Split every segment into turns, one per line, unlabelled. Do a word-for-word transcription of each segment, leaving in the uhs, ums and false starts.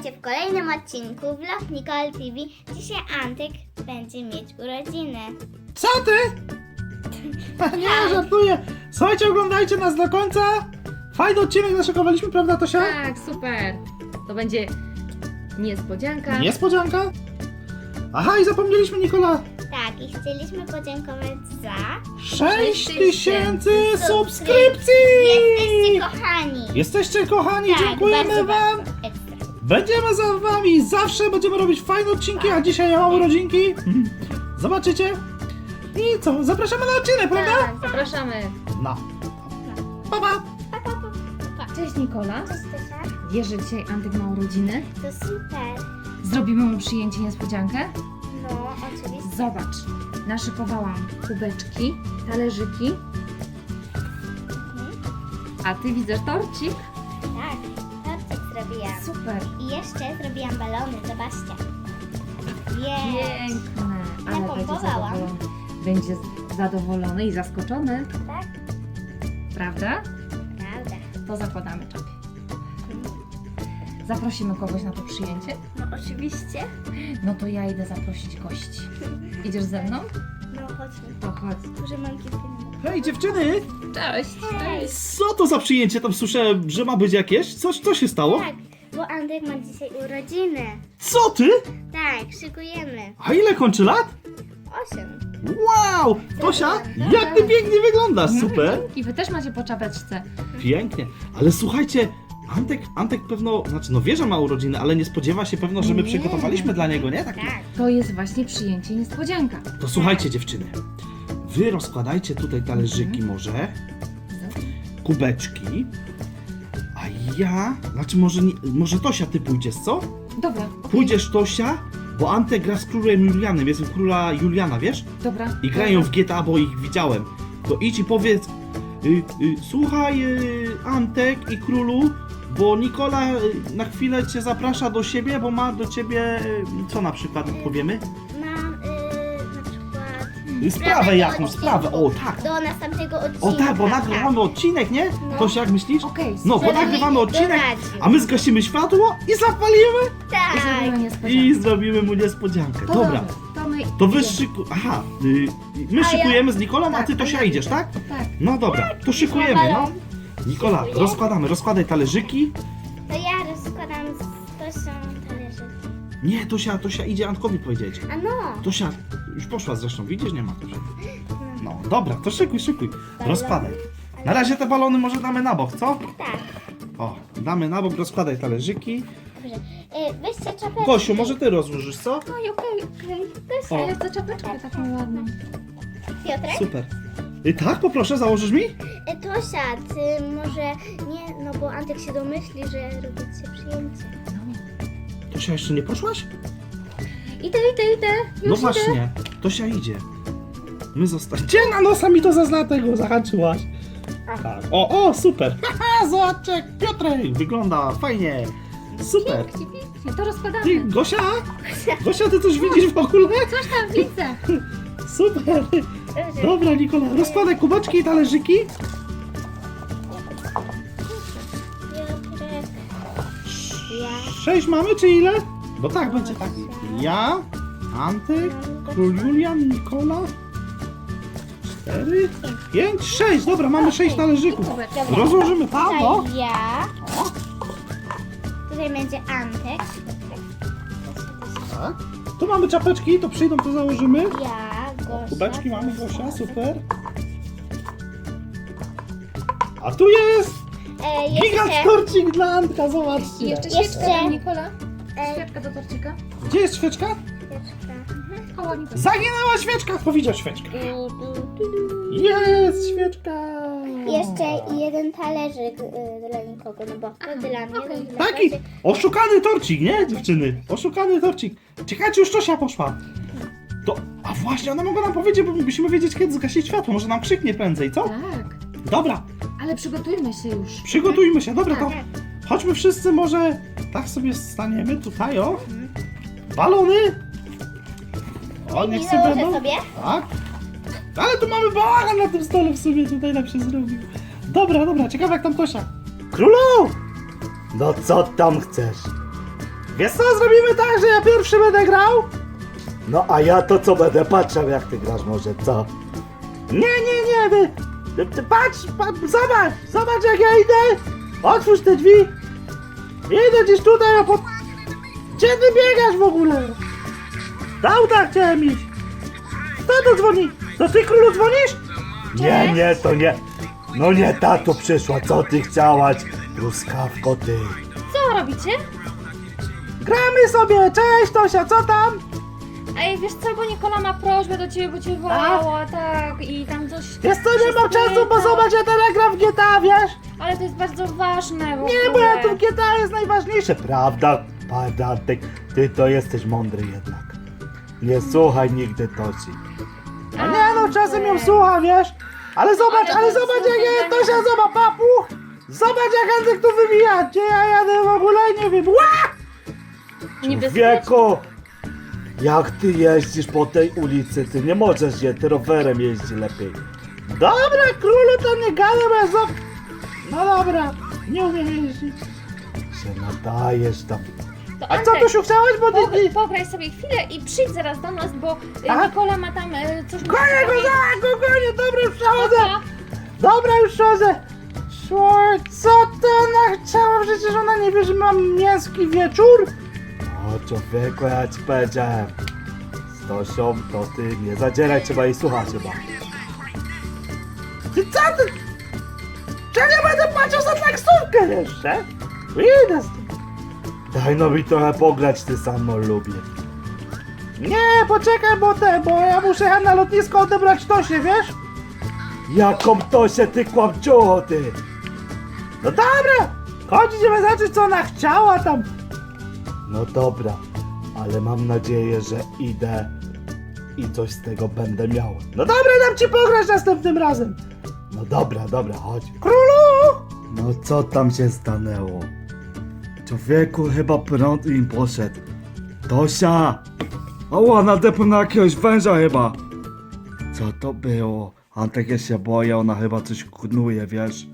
witajcie w kolejnym odcinku Vlog Nicole T V. Dzisiaj Antek będzie mieć urodziny.
Co ty? Nie, żartuję. Słuchajcie, oglądajcie nas do końca. Fajny odcinek naszykowaliśmy, prawda Tosia?
Tak, super. To będzie niespodzianka.
Niespodzianka. Aha, i zapomnieliśmy, Nikola.
Tak, i chcieliśmy podziękować za...
sześć tysięcy
subskrypcji.
subskrypcji!
Jesteście kochani!
Jesteście kochani,
Tak,
dziękujemy
bardzo,
wam.
bardzo ekstra.
Będziemy za wami, zawsze będziemy robić fajne odcinki, a dzisiaj ja mam urodzinki. Zobaczycie. I co, zapraszamy na odcinek, prawda?
Tak, zapraszamy.
No. Pa, pa.
Pa, pa, pa, pa.
Cześć Nikola.
Cześć, Tosia.
Wiesz, że dzisiaj Antek ma urodziny?
To super.
Zrobimy mu przyjęcie niespodziankę?
No, oczywiście.
Zobacz, naszykowałam kubeczki, talerzyki,
Mhm.
a ty widzę torcik.
Tak, torcik zrobiłam.
Super.
I jeszcze zrobiłam balony, zobaczcie. Jest.
Piękne. Ale będzie
Napompowałam.
zadowolony. Będzie zadowolony i zaskoczony.
Tak?
Prawda?
Prawda.
To zakładamy czapkę. Zaprosimy kogoś na to przyjęcie?
No oczywiście.
No to ja idę zaprosić gości. Idziesz ze mną?
No chodźmy.
To chodź.
Może mam kilka minut.
Hej dziewczyny,
Cześć.
Hej.
co to za przyjęcie? Tam słyszę, że ma być jakieś. Co, co się stało?
Tak, bo Antek ma dzisiaj urodziny.
Co ty?
Tak, szykujemy.
A ile kończy lat?
Osiem.
Wow! Tosia, jak ty pięknie wyglądasz, super!
I wy też macie po czapeczce.
Pięknie, ale słuchajcie, Antek, Antek pewno, znaczy no wie, że ma urodziny, ale nie spodziewa się pewno, że my
Nie.
przygotowaliśmy dla niego, nie? Tak.
Tak.
To jest właśnie przyjęcie niespodzianka.
To słuchajcie dziewczyny, wy rozkładajcie tutaj talerzyki może, kubeczki, a ja, znaczy może, nie, może Tosia ty pójdziesz, co?
Dobra,
Pójdziesz Tosia, bo Antek gra z królem Julianem, jest u króla Juliana, wiesz?
dobra.
I grają w G T A, bo ich widziałem. To idź i powiedz, y, y, słuchaj y, Antek i królu, bo Nikola y, na chwilę cię zaprasza do siebie, bo ma do ciebie, y, co na przykład powiemy?
Mam y, na przykład...
Y, Sprawę
do
jakąś,
odcinku.
sprawę, o tak.
Do następnego odcinka.
O tak, bo nagrywamy odcinek, nie?
No.
Tosia, jak myślisz?
Okej,
No, bo
Żeby
nagrywamy
nie
odcinek,
doradził.
a my zgasimy światło i zapalimy
I zrobimy
Tak.
niespodziankę.
i zrobimy mu niespodziankę.
To
Dobra,
To my
to wy
idziemy.
szyku... Aha, y, my
A ja-
szykujemy z Nikolą, a
Tak,
ty
a
Tosia
ja
idziesz,
idę.
tak?
Tak.
No dobra, to szykujemy, no.
balon.
Nikola,
Szykuję.
rozkładamy, rozkładaj talerzyki.
To ja rozkładam z Tosią talerzyki.
Nie, Tosia, Tosia idzie Antkowi powiedzieć.
A no.
Tosia już poszła zresztą, widzisz, nie ma Tosia. No, dobra, to szykuj, szykuj, rozkładaj. Na razie te balony może damy na bok, co?
Tak.
O, damy na bok, rozkładaj talerzyki.
Dobrze. Y, weźcie czapeczkę.
Gosiu, może ty rozłożysz, co?
Oj, okej, okej.
O.
A ja chcę czapeczkę taką ładną.
Piotrek?
Super. I tak, poproszę, założysz mi?
Y, Tosia, ty może nie, no bo Antek się domyśli, że robicie przyjęcie.
Tosia, jeszcze nie poszłaś?
Idę, idę, idę. Już
No
idę.
właśnie, Tosia idzie. My zostaniemy. Gdzie na nosa mi to za tego zahaczyłaś? Tak. O, o, super. Haha, zobacz, jak Piotrek wygląda fajnie. Super.
Pięknie, pięknie. To
Ty,
rozkładamy.
Gosia? Gosia, ty coś widzisz w ogóle?
Coś tam widzę.
Super.
Dobrze.
Dobra, Nikola, rozkładaj kubeczki i talerzyki.
Piotrek. Ja.
Sześć mamy, czy ile? Bo tak, będzie tak. Ja, Antek, Król Julian, Nikola. Cztery, pięć, sześć. Dobra, mamy sześć talerzyków.
Dobra.
Rozłożymy tam, no.
Tutaj ja. Tutaj będzie Antek.
Tak. Tu mamy czapeczki, to przyjdą, to założymy.
Ja, Gosia.
Kubeczki mamy, Gosia, super. A tu jest
E,
gigant
jeszcze,
torcik dla Antka,
I
zobaczcie.
jeszcze
Jeszcze-
świeczka do Nikola.
e,
Świeczka do torcika.
Gdzie jest świeczka?
świeczka.
Koło Nikola.
Zaginęła świeczka! Powiedział świeczka.
Du, du, du, du.
Jest świeczka!
Jeszcze jeden talerzyk y, dla nikogo, no bo to dla mnie,
okej.
to dla
Taki
Gosi.
oszukany torcik, nie dziewczyny? Oszukany torcik. Ciekawe, czy już Tosia poszła. To, a właśnie, ona mogła nam powiedzieć, bo musimy wiedzieć, kiedy zgasić światło. Może nam krzyknie prędzej, co?
Tak.
Dobra,
Ale przygotujmy się już.
przygotujmy się. Dobra, to
Tak.
chodźmy wszyscy może tak sobie staniemy tutaj, o. Balony. O, niech
I
sobie
założę
będą.
sobie.
Tak. Ale tu mamy bałagan na tym stole w sumie, tutaj nam się zrobił. Dobra, dobra, ciekawe jak tam Tosia. Królu! No co tam chcesz? Wiesz co, zrobimy tak, że ja pierwszy będę grał? No a ja to co będę patrzał jak ty grasz może, co? Nie, nie, nie, ty, ty, ty patrz, patrz, zobacz, zobacz jak ja idę. Otwórz te drzwi. Idę gdzieś tutaj, a po... Gdzie ty biegasz w ogóle? Do auta chciałem iść. Kto to dzwoni? To ty, królu, dzwonisz? Nie, nie, to nie. No nie, ta tu przyszła, co ty chciałaś? Truskawko, ty.
Co robicie?
Gramy sobie, cześć Tosia, co tam?
Ej, wiesz co, bo Nikola ma prośbę do ciebie, bo cię wołała, tak, i tam coś...
Wiesz co, nie
się
mam czasu, bo
spyta.
zobacz, ja teraz gram w G T A, wiesz?
Ale to jest bardzo ważne w ogóle.
Nie, bo ja tu w G T A jest najważniejsze. Prawda, prawda, ty, ty to jesteś mądry jednak. Nie słuchaj nigdy Tosi. A nie no, czasem ją słucha, wiesz? Ale zobacz,
Ale
ale
to
zobacz
jest
jak ja,
zobacz.
Tosia, zobacz, papuch! Zobacz jak Antek tu wywija, gdzie ja jadę w ogóle, nie wiem. Ła!
Niebezpiecznie.
Wieku! Jak ty jeździsz po tej ulicy? Ty nie możesz je, ty rowerem jeździ lepiej. Dobra, królu, to nie gadam, ja zo... No dobra, nie umiem jeździć. Się nadajesz tam.
To
A co
Antek,
tu się chciałeś, bo ty...
pog-
ty...
Pograj sobie chwilę i przyjdź zaraz do nas, bo y,
Aha.
Nikola ma tam y, coś...
Gonię go, za, go gonię, dobra, już przechodzę.
Dobra.
Dobra, już przechodzę. Szło, co to ona chciała? Przecież ona nie wie, że mam męski wieczór. O, człowieku, ja ci powiedziałem. Z Tosią to ty nie zadzieraj, trzeba jej słuchać chyba. Ty co ty? Czy ja nie będę płacił za taksówkę jeszcze? Idę z tym. Daj no mi trochę pograć, ty samo lubię. Nie, poczekaj, bo te, bo ja muszę jechać na lotnisko odebrać Tosię, wiesz? Jaką Tosię, ty kłamczucho, ty? No dobra, chodź, idziemy zobaczyć, co ona chciała tam. No dobra, ale mam nadzieję, że idę i coś z tego będę miał. No dobra, dam ci pograć następnym razem. No dobra, dobra, chodź. Królu! No co tam się stanęło? Człowieku, chyba prąd im poszedł. Tosia! Oła, nadepnął na jakiegoś węża chyba. Co to było? Antek, ja się boję, ona chyba coś knuje, wiesz?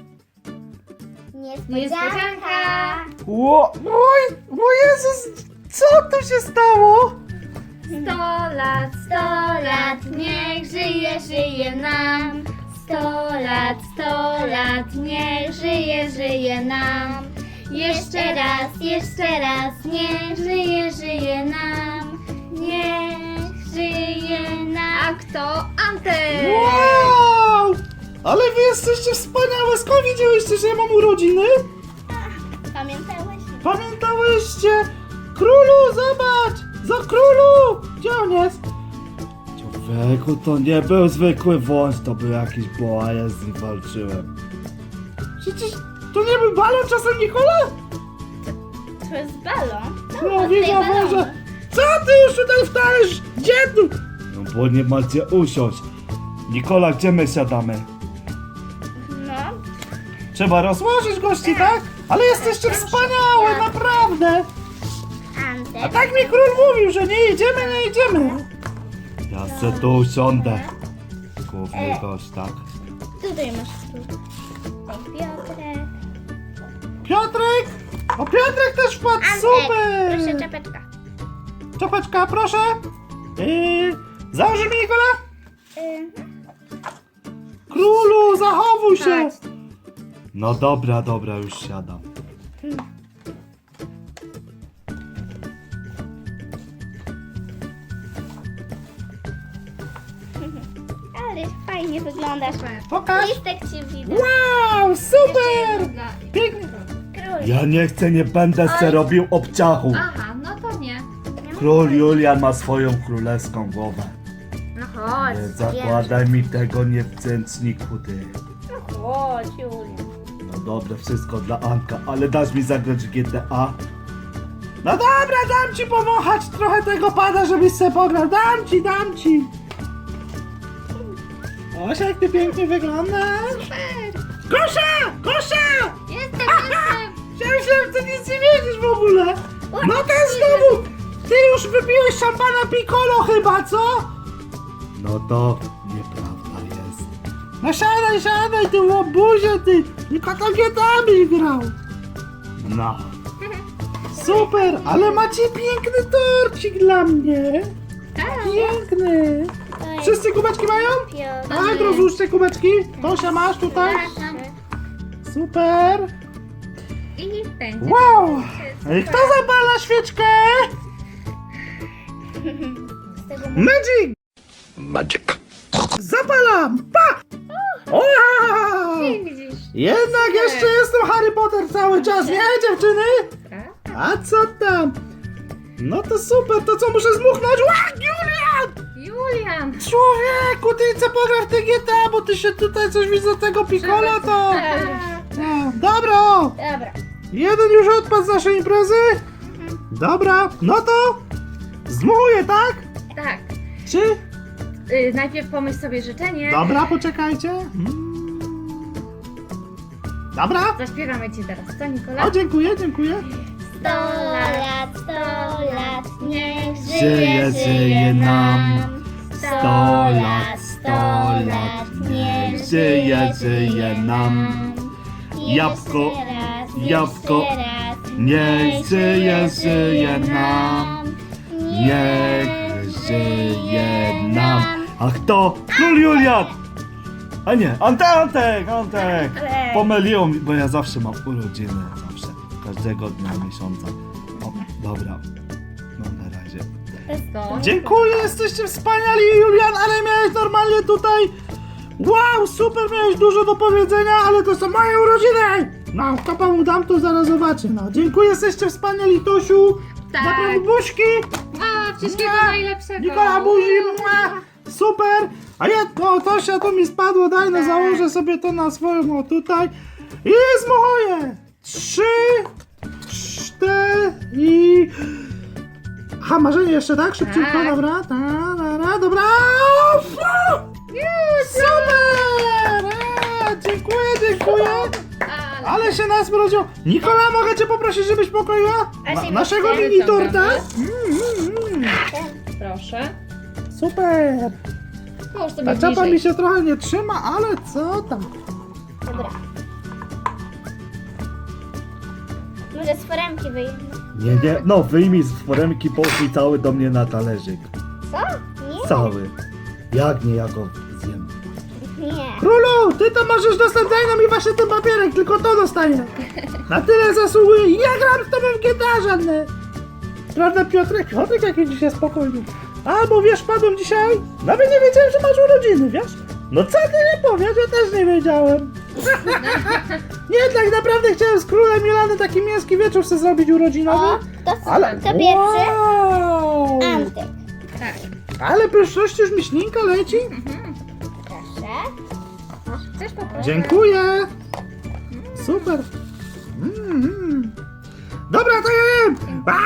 Niespodzianka!
Ło, oj, o Jezus, co tu się stało?
Sto lat,
Sto lat, niech żyje, żyje nam. Sto lat, sto lat, niech żyje, żyje nam. Jeszcze raz, jeszcze raz, niech żyje, żyje nam. Niech żyje nam.
A kto? Antek!
Wow! Ale wy jesteście wspaniałe, skąd wiedziałyście, że ja mam urodziny?
Pamiętałeś?
Pamiętałyście? Królu, zobacz! Za królu! Gdzie on jest? Człowieku, to nie był zwykły wąż, to był jakiś boa, ja z nim walczyłem. Przecież to nie był balon czasem, Nikola?
To jest balon?
No widzę, może. Co ty już tutaj wstajesz? Gdzie tu? No bo nie macie usiąść. Nikola, gdzie my siadamy?
No.
Trzeba rozłożyć gości, tak? Ale jesteście wspaniałe, naprawdę! A
Antek.
tak mi król mówił, że nie idziemy, nie idziemy. Ja se tu usiądę. Główny gość, tak?
Tutaj masz stół. Ej, Piotrek.
Piotrek! O, Piotrek też wpadł,
Antek,
super!
proszę czapeczka.
Czapeczka, proszę. Yy, założy mi Nikola?
Y,
Królu, zachowuj się!
Chodź.
No dobra, dobra, już siadam.
Ale fajnie wyglądasz.
Pokaż!
Listek ci widzę.
Wow, super! Pięknie.
Król.
Ja nie chcę, nie będę se robił obciachu.
Aha, no to nie.
Król Julian ma swoją królewską głowę.
No chodź.
Nie zakładaj mi tego nie w cęcniku, ty.
No chodź, Julian.
No dobra, wszystko dla Anka, ale dasz mi zagrać w G T A? No dobra, dam ci powąchać trochę tego pada, żebyś se pograł. Dam ci, dam ci. Osia, jak ty pięknie wyglądasz.
Super.
Gosia! Gosia!
Jestem,
Aha!
jestem.
Ja myślałem, że nic nie wiedziesz w ogóle. No to znowu, ty już wypiłeś szampana Piccolo chyba, co? No to nieprawda jest. No siadaj, siadaj, ty łobuzie, ty. Tylko to G T A byś grał. No. Super, ale macie piękny torcik dla mnie.
Tak.
Piękny.
To jest
Wszyscy kubeczki mają?
Piotr.
Tak, rozłóżcie kubeczki. Tosia, masz tutaj? Super.
I będzie.
Wow. Ej, kto zapala świeczkę?
Z tego
Magic.
Magic.
Zapalam. Pa. Wow.
I widzisz.
Jednak jeszcze jestem Harry Potter cały czas, nie dziewczyny?
Tak.
A co tam? No to super, to co muszę zmuchnąć? Ła, Julian!
Julian.
Człowieku, ty co pogra w T G T, bo ty się tutaj coś widzę tego Piccola to... No, dobra,
Dobra.
jeden już odpadł z naszej imprezy. Dobra, no to zdmuchuję, tak?
Tak.
Czy?
Y, najpierw pomyśl sobie życzenie.
Dobra, poczekajcie. Mm. Dobra,
Zaśpiewamy ci teraz, co Nikola?
o dziękuję, dziękuję.
Sto lat, sto lat, niech
Żyje,
żyje, żyje nam.
Sto lat, sto lat, niech żyje, żyje nam. Jabłko,
Jeszcze raz,
jabłko,
jeszcze raz,
niech żyje, żyje nam. Niech żyje nam. A kto? Król Julian! A nie, Antek, Antek, Antek! Pomyliło mi, bo ja zawsze mam urodziny, zawsze, każdego dnia miesiąca. O, dobra, no na razie.
To.
Dziękuję, jesteście wspaniali, Julian, ale miałeś normalnie tutaj... Wow, super, miałeś dużo do powiedzenia, ale to są moje urodziny! No, kto panu dam, to zaraz zobaczy. No, dziękuję, jesteście wspaniali, Tosiu.
Tak.
Naprawdę buźki.
A, wszystkiego
Mua.
najlepszego.
Nikola buzi, mua. Super. A ja, o, Tosia, to mi spadło, daj, no
Tak.
założę sobie to na swoją, o tutaj. I zmochuję. Trzy, cztery i... Aha, marzenie jeszcze, tak? Szybciutko,
Tak.
dobra. Ta, dobra, dobra. Fu! Super! A, dziękuję, dziękuję.
Ale...
Ale się nas mroziło. Nikola, mogę cię poprosić, żebyś pokroiła
A
na,
się
naszego
nie
mini
wyciągamy.
torta? Mm, mm, mm.
Proszę.
Super.
Połóż sobie
Ta czapa
bliżej.
mi się trochę nie trzyma, ale co tam?
Dobra. Może z foremki wyjmę.
Nie, nie, no wyjmij z foremki, poszli cały do mnie na talerzyk.
Co? Nie.
Cały. Jak niejako zjem.
Nie.
Królu, ty to możesz dostać, daj nam i właśnie ten papierek, tylko to dostaję. Na tyle zasługuje. Ja gram z tobą w G T A żadne. Prawda, Piotrek? Piotrek jaki dzisiaj spokojny. A, bo wiesz, padłem dzisiaj. Nawet nie wiedziałem, że masz urodziny, wiesz? No co ty nie powiesz, ja też nie wiedziałem. Nie, tak naprawdę chciałem z królem Milany taki męski wieczór sobie zrobić urodzinowy.
O, to,
Ale...
to pierwszy.
Wow.
Antek.
Tak.
Ale pyszności już mi ślinka leci.
Proszę.
Chcesz poprosić?
Dziękuję. Super. Mm. Dobra, to ja jem.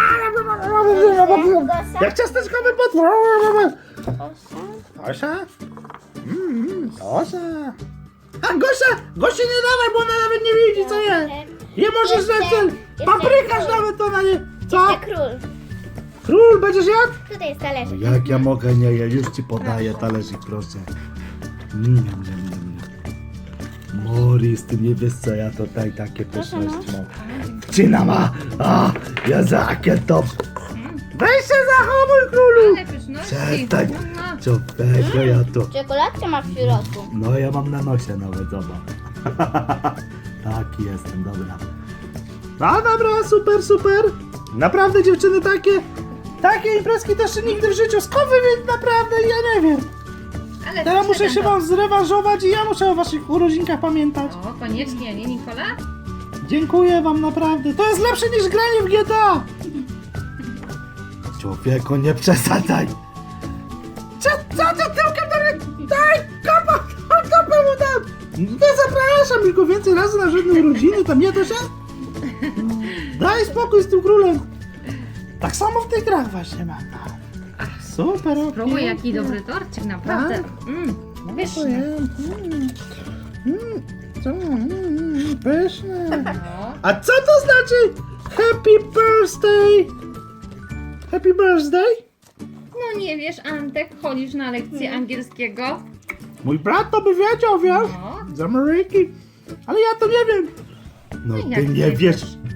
Gosa.
Jak ciasteczkowy potwór.
Gosa.
Gosia? Mm, Gosia. A Gosia, Gosia nie dawaj, bo ona nawet nie widzi co je. Je możesz
Jeszcze-
na ten
jeszcze
paprykarz
król.
nawet to na nie. Co?
Jeszcze król.
Król, będziesz jadł?
Tutaj jest talerzyk.
Jak ja mogę nie je, już ci podaję talerzyk, proszę. Mm, mm, mm, mm. Morris, ty nie wiesz co ja tutaj takie pyszności mam. Wcina ma! A, ja za jakie to... Weź się zachowuj, królu!
Ale pyszności.
Przestań!
No.
Czego ja to...
Czekoladkę masz w środku.
No ja mam na nosie nawet, zobacz. Taki jestem, dobra. A dobra, super, super. Naprawdę dziewczyny takie... Takie imprezki też nigdy w życiu. Skąd wy wie- naprawdę, ja nie wiem.
Ale
Teraz muszę
przyszedł
się
to.
wam zrewanżować i ja muszę o waszych urodzinkach pamiętać.
O, koniecznie, nie Nikola?
Dziękuję wam naprawdę. To jest lepsze niż granie w G T A. Człowieku, nie przesadzaj. Co, co ty tyłkiem do mnie? Daj, kopa, kopę mu dam. Nie zapraszam już go więcej razy na żadne urodziny, tam nie to się? Daj spokój z tym królem. Tak samo w tych grach właśnie mam. Super, okej.
Spróbuj, jaki dobry torcik, naprawdę.
Tak?
Mm, pyszny.
Mm, mm, co? Mm, pyszne.
No.
A co to znaczy happy birthday? Happy birthday?
no nie wiesz, Antek, chodzisz na lekcję angielskiego?
Mój brat to by wiedział, wiesz?
No.
Z Ameryki. Ale ja to nie wiem. No
No
ty
jak
nie
nie
wiesz.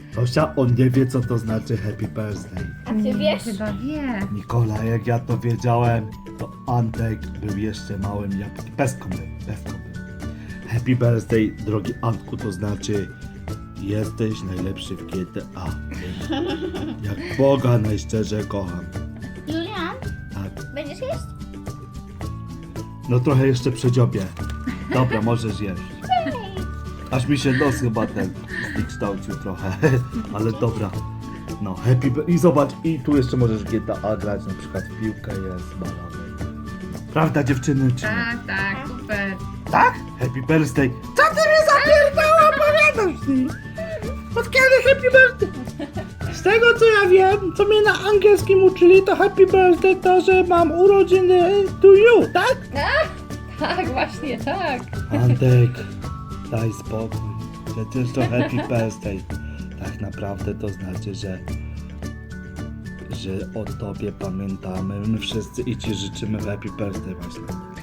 Tosia, on nie wie, co to znaczy happy birthday.
A ty wiesz?
Chyba wie.
Nikola, jak ja to wiedziałem, to Antek był jeszcze małym jabłkiem. Pestką był, pestką był. Happy birthday, drogi Antku, to znaczy jesteś najlepszy w G T A. Jak Boga najszczerze kocham.
Julian,
Tak.
będziesz jeść?
No trochę jeszcze przedziobie. Dobra, możesz jeść. Aż mi się nos chyba ten zniekształcił trochę, ale dobra. No, happy birthday. I zobacz, i tu jeszcze możesz G T A grać, na przykład w piłkę jest balonek. Prawda dziewczyny, czy nie?
Tak, tak, super.
Tak? Happy birthday. Co ty mi zapierdala opowiadasz ty? Od kiedy happy birthday? Z tego co ja wiem, co mnie na angielskim uczyli, to happy birthday to, że mam urodziny to you, tak?
Tak, właśnie, tak.
Antek, daj spokój. Przecież to happy birthday. Tak naprawdę to znaczy, że że o tobie pamiętamy my wszyscy i ci życzymy happy birthday właśnie.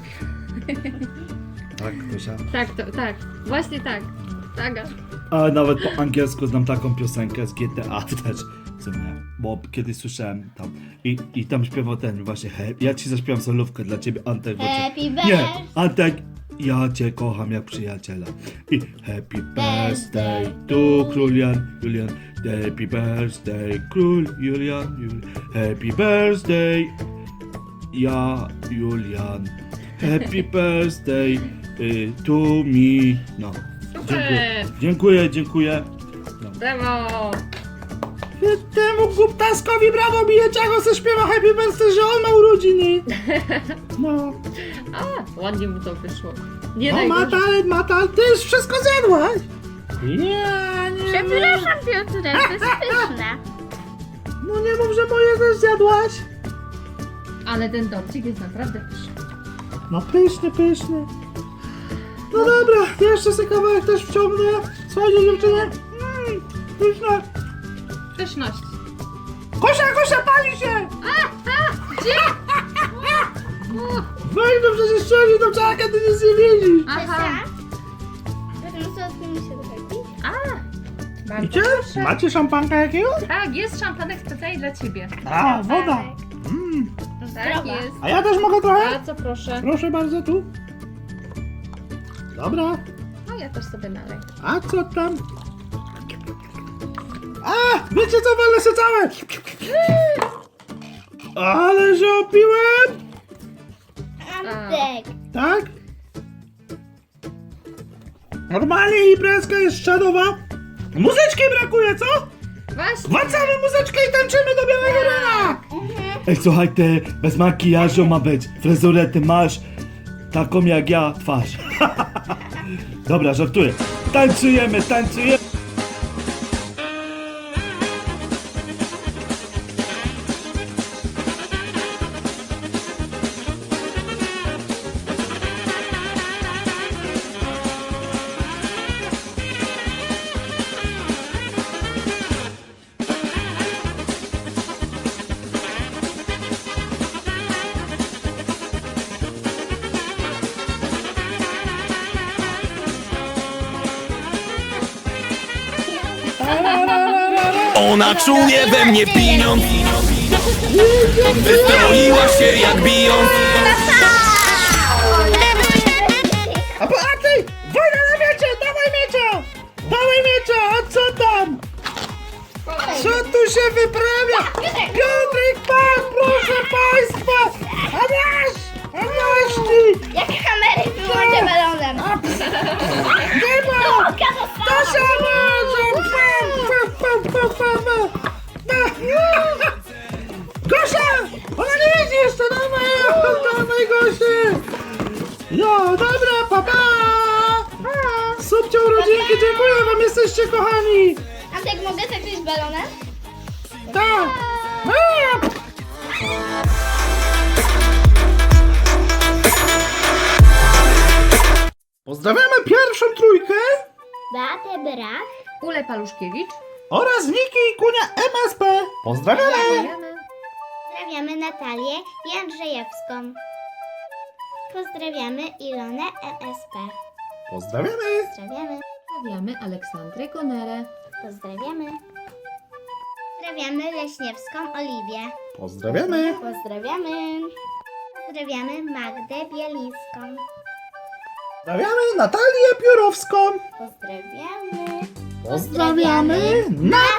Tak, Tosia?
Tak, to, tak. Właśnie tak. Tak.
A nawet po angielsku znam taką piosenkę z G T A też, co nie? Bo kiedyś słyszałem tam i, i tam śpiewał ten właśnie he, ja ci zaśpiewam solówkę dla ciebie, Antek, bo cię,
Happy
nie,
birthday.
Antek, ja cię kocham jak przyjaciela i happy birthday to Julian, Julian, happy birthday król Julian, Julian, happy birthday ja Julian, happy birthday y, to me, no. Dziękuję,
Super.
dziękuję, dziękuję. No.
Brawo.
Temu głuptaskowi brawo bije, czego se śpiewa happy birthday, że on ma urodziny. No,
A, ładnie mu to wyszło. Nie
no ma
najgorzej.
talent, ma talent, ty już wszystko zjadłaś. Ja nie
Przepraszam, Piotrek, to jest pyszne.
No nie mów, że moje też zjadłaś.
Ale ten torcik jest naprawdę pyszny.
No pyszny, pyszny. No dobra, jeszcze sobie kawałek też wciągnę. Słuchajcie dziewczyny. Mmm, pyszne.
Pyszność.
Kosia, Kosia, pali się!
Gdzie?
Weź no przecież szczerze, to czeka, ty nic nie widzisz.
Aha.
Potem słodko mi się wychodzi.
A. Bardzo
Widzicie?
proszę.
Macie szampanka jakiegoś?
Tak, jest szampanek specjalnie dla ciebie.
A, woda. Mm.
Tak jest.
A ja też mogę trochę?
Bardzo proszę.
Proszę bardzo, tu. Dobra.
No ja też sobie nalej.
A co tam? A, wiecie co, walę się całe. Ale się opiłem.
Antek.
Tak? Normalnie imprezka jest szczadowa. Muzyczki brakuje, co?
Właśnie.
Włączamy muzyczkę i tańczymy do białego rana. Ej, słuchaj, ty bez makijażu ma być. Fryzurę ty masz taką jak ja twarz. Dobra, żartuję. Tańczujemy, tańczujemy.
Ona czuje we mnie pieniądz. Wystroiła się jak bijąc.
A po a ty! Wojna na miecze! Dawaj miecza! Dawaj miecza! A co tam? Co tu się wyprawia? Piotrek, pan, proszę państwa! A masz! A masz ty!
Jak kamery wyłączę balonem.
Nie ma!
Katastrofa.
To samo! Pa, pa, pa, pa, pa. Gosia! Ona nie widzi jeszcze! Dawaj! Dawaj, Gosię! No, dobra, pa, pa! Subcie urodzinki, dziękuję wam, jesteście kochani!
Antek, mogę zakryć balonem?
Tak! A! Pozdrawiamy pierwszą trójkę
Beatę Brach.
Ule Paluszkiewicz.
oraz Niki i Kunia M S P. Pozdrawiamy!
Dziękujemy.
Pozdrawiamy Natalię Jędrzejewską. Pozdrawiamy Ilonę M S P.
Pozdrawiamy!
Pozdrawiamy.
Pozdrawiamy Aleksandrę Konerę.
Pozdrawiamy. Pozdrawiamy Leśniewską Oliwię.
Pozdrawiamy.
Pozdrawiamy. Pozdrawiamy Magdę Bielińską.
Pozdrawiamy Natalię Piórowską.
Pozdrawiamy.
Pozdrawiamy. Na